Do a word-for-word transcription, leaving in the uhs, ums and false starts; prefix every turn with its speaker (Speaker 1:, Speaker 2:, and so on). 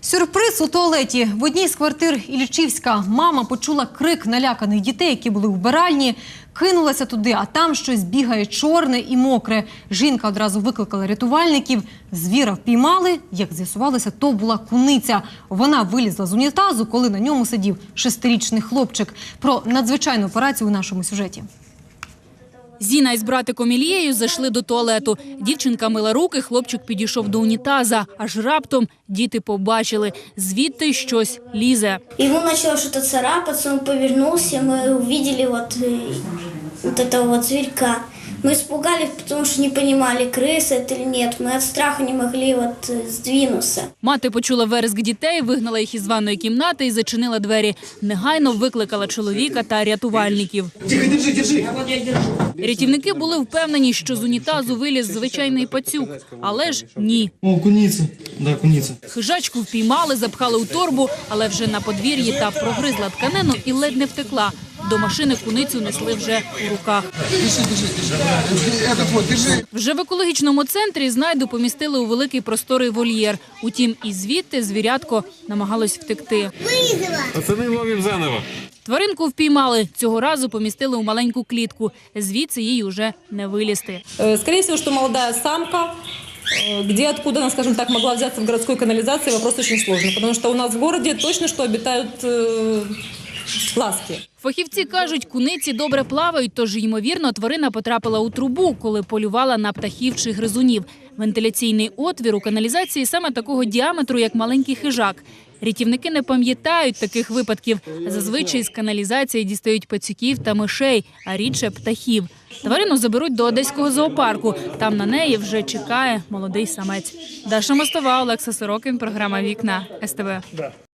Speaker 1: Сюрприз у туалеті. В одній з квартир Іллічівська мама почула крик наляканих дітей, які були в вбиральні. Кинулася туди, а там щось бігає чорне і мокре. Жінка одразу викликала рятувальників. Звіра впіймали. Як з'ясувалося, то була куниця. Вона вилізла з унітазу, коли на ньому сидів шестирічний хлопчик. Про надзвичайну операцію у нашому сюжеті.
Speaker 2: Зіна із братиком Ілією зайшли до туалету. Дівчинка мила руки, хлопчик підійшов до унітаза. Аж раптом діти побачили, звідти щось лізе.
Speaker 3: Ему начало что-то царапаться, он повернулся, мы увидели вот, э, вот этого вот зверька. Мы испугались, потому что не понимали, крыса это или нет. Мы от страха не могли вот э, сдвинуться.
Speaker 2: Мати почула вереск дітей, вигнала їх із ванної кімнати і зачинила двері. Негайно викликала чоловіка та рятувальників.
Speaker 4: Тихо, держи, держи.
Speaker 2: Рятівники були впевнені, що з унітазу виліз звичайний пацюк. Але ж ні.
Speaker 4: О, куниця. Да, куниця.
Speaker 2: Хижачку впіймали, запхали у торбу, але вже на подвір'ї та прогризла тканину і ледь не втекла. До машини куницю несли вже у руках. Вже в екологічному центрі знайду помістили у великий просторий вольєр. Утім, і звідти звірятко намагалось втекти.
Speaker 5: Пацани, ловимо заново.
Speaker 2: Тваринку впіймали. Цього разу помістили у маленьку клітку. Звідси їй уже не вилізти.
Speaker 6: Скорее всего, что молодая самка. Где, откуда она, скажем так, могла взяться в городской канализации, вопрос очень сложный. Потому что у нас в городе точно что обитают э, ласки.
Speaker 2: Фахівці кажуть, куниці добре плавають, тож, ймовірно, тварина потрапила у трубу, коли полювала на птахів чи гризунів. Вентиляційний отвір у каналізації саме такого діаметру, як маленький хижак. Рятівники не пам'ятають таких випадків. Зазвичай з каналізації дістають пацюків та мишей, а рідше птахів. Тварину заберуть до Одеського зоопарку. Там на неї вже чекає молодий самець. Даша Мостова, Олекса Сорокін, програма «Вікна», ес те ве.